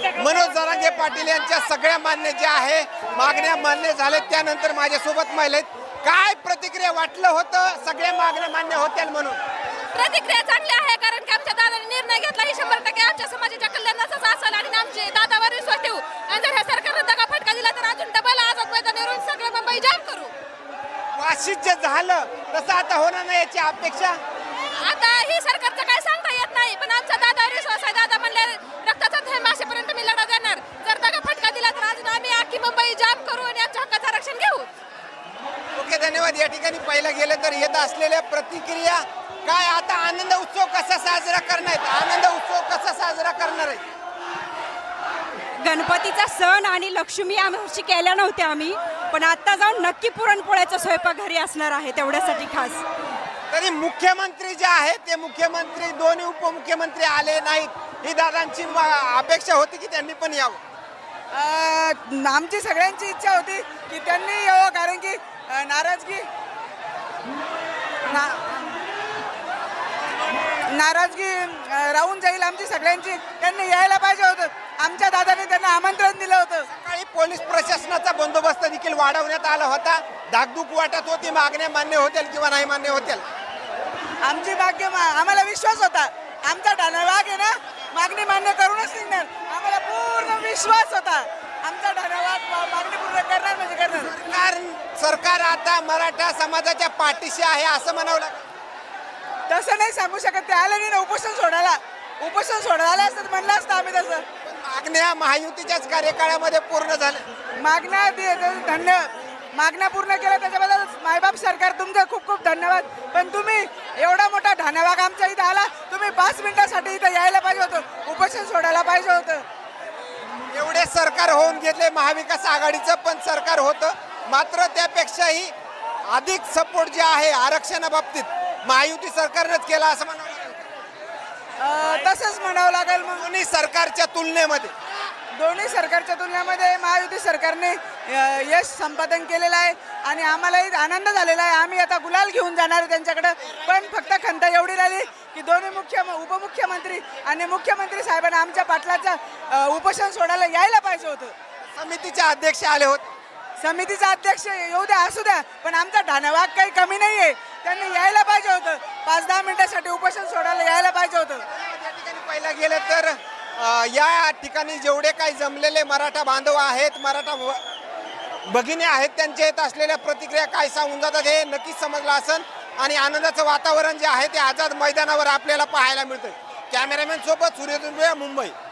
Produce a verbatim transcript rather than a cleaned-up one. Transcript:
मनोज जरांगे पाटील यांच्या सगळ्या मान्य ज्या आहे मागण्या मान्य झाल्या, त्यानंतर माझ्यासोबत महिला आहेत. काय प्रतिक्रिया वाटलं होतं सगळ्या मागण्या मान्य होत्या म्हणून? प्रतिक्रिया चांगली आहे, कारण की आमच्या दादाने निर्णय घेतला ही शंभर टक्के आमच्या समाजाच्या कल्याणाचाच असेल आणि आमचे दादावर विश्वास ठेवू. आणि जर ह्या सरकारने दगा फटका दिला तर अजून डबल आझाद मैदानावरून सगळं मुंबई जाम करू. वाशीत जे झालं तसं आता होणार नाही याची अपेक्षा. आता ही सरकारचं काय सांगता येत नाही, पण आमचा दादावर विश्वास आहे. दादा म्हणले रक्ताचा थेंब असेपर्यंत मी लढा देणार. जर दगा फटका दिला तर अजून आम्ही अख्खी मुंबई जाम करू आणि आमच्या हक्काचं आरक्षण घेऊ. ओके, धन्यवाद. या ठिकाणी पाहिलं गेलं तर येत असलेल्या प्रतिक्रिया काय, आता आनंद उत्सव कसा साजरा करणार आहेत, आनंद उत्सव कसा साजरा करणार आहे? गणपतीचा सण आणि लक्ष्मी आमची केल्या नव्हत्या आम्ही, पण आता जाऊन नक्की पुरणपोळ्याचा स्वयंपाक घरी असणार आहे तेवढ्यासाठी खास. तरी मुख्यमंत्री जे आहेत ते मुख्यमंत्री दोन्ही उपमुख्यमंत्री आले नाहीत, ही दादांची अपेक्षा होती की त्यांनी पण यावं? आमची सगळ्यांची इच्छा होती की त्यांनी यावं, कारण की नाराजगी ना नाराजगी राहून जाईल आमची सगळ्यांची. त्यांनी यायला पाहिजे होतं. आमच्या दादाने त्यांना आमंत्रण दिलं होतं. सकाळी पोलीस प्रशासनाचा बंदोबस्त देखील वाढवण्यात आला होता. धाकधूक वाटत होती, मागण्या मान्य होतील किंवा नाही मान्य होतील? आमची मागणी आम्हाला विश्वास होता. आमचा ढाणवाग आहे ना, मागणी मान्य करूनच निघणार. आम्हाला पूर्ण विश्वास होता. आमचा ढाणवाग मागणी पूर्ण करणार म्हणजे करणार. सरकार सरकार आता मराठा समाजाच्या पाठीशी आहे असं म्हणावं लागेल. तसं नाही सांगू शकत. ते आले नाही ना उपोषण सोडायला. उपोषण सोडायला असतं म्हणलं असतं आम्ही तसं. मागण्या महायुतीच्याच कार्यकाळामध्ये पूर्ण झाल्या. मागण्या धन्य मागण्या पूर्ण केल्या त्याच्याबद्दल मायबाप सरकार तुमचं खूप खूप धन्यवाद. पण तुम्ही एवढा मोठा ढाणवाग आमच्या इथं आला, तुम्ही पाच मिनिटासाठी इथं यायला पाहिजे होतं, उपोषण सोडायला पाहिजे होतं. एवढे सरकार होऊन गेले, महाविकास आघाडीचं पण सरकार होतं, मात्र त्यापेक्षाही अधिक सपोर्ट जे आहे आरक्षणाबाबतीत महायुती सरकारनंच केला असं म्हणावं लागेल. तसंच म्हणावं लागेल. मग दोन्ही सरकारच्या तुलनेमध्ये दोन्ही सरकारच्या तुलनेमध्ये महायुती सरकारने यश संपादन केलेलं आहे आणि आम्हालाही आनंद झालेला आहे. आम्ही आता गुलाल घेऊन जाणार आहे त्यांच्याकडे. पण फक्त खंत एवढी राहिली की दोन्ही मुख्य उपमुख्यमंत्री आणि मुख्यमंत्री साहेबांना आमच्या पाटलाचं उपोषण सोडायला यायला पाहिजे होतं. समितीचे अध्यक्ष आले होते. समितीचा अध्यक्ष येऊ द्या असू द्या, पण आमचा ढाणवाग काही कमी नाही आहे. त्यांनी यायला पाहिजे होतं. पाच दहा मिनिटासाठी उपोषण सोडायला यायला पाहिजे होतं. या ठिकाणी पाहिलं गेलं तर या ठिकाणी जेवढे काही जमलेले मराठा बांधव आहेत, मराठा भगिनी आहेत, त्यांच्या येत असलेल्या प्रतिक्रिया काय सांगून जातात हे नक्कीच समजलं असेल. आणि आनंदाचं वातावरण जे आहे ते आझाद मैदानावर आपल्याला पाहायला मिळतं. कॅमेरामॅन सोबत सूर्यदुर्ग, मुंबई.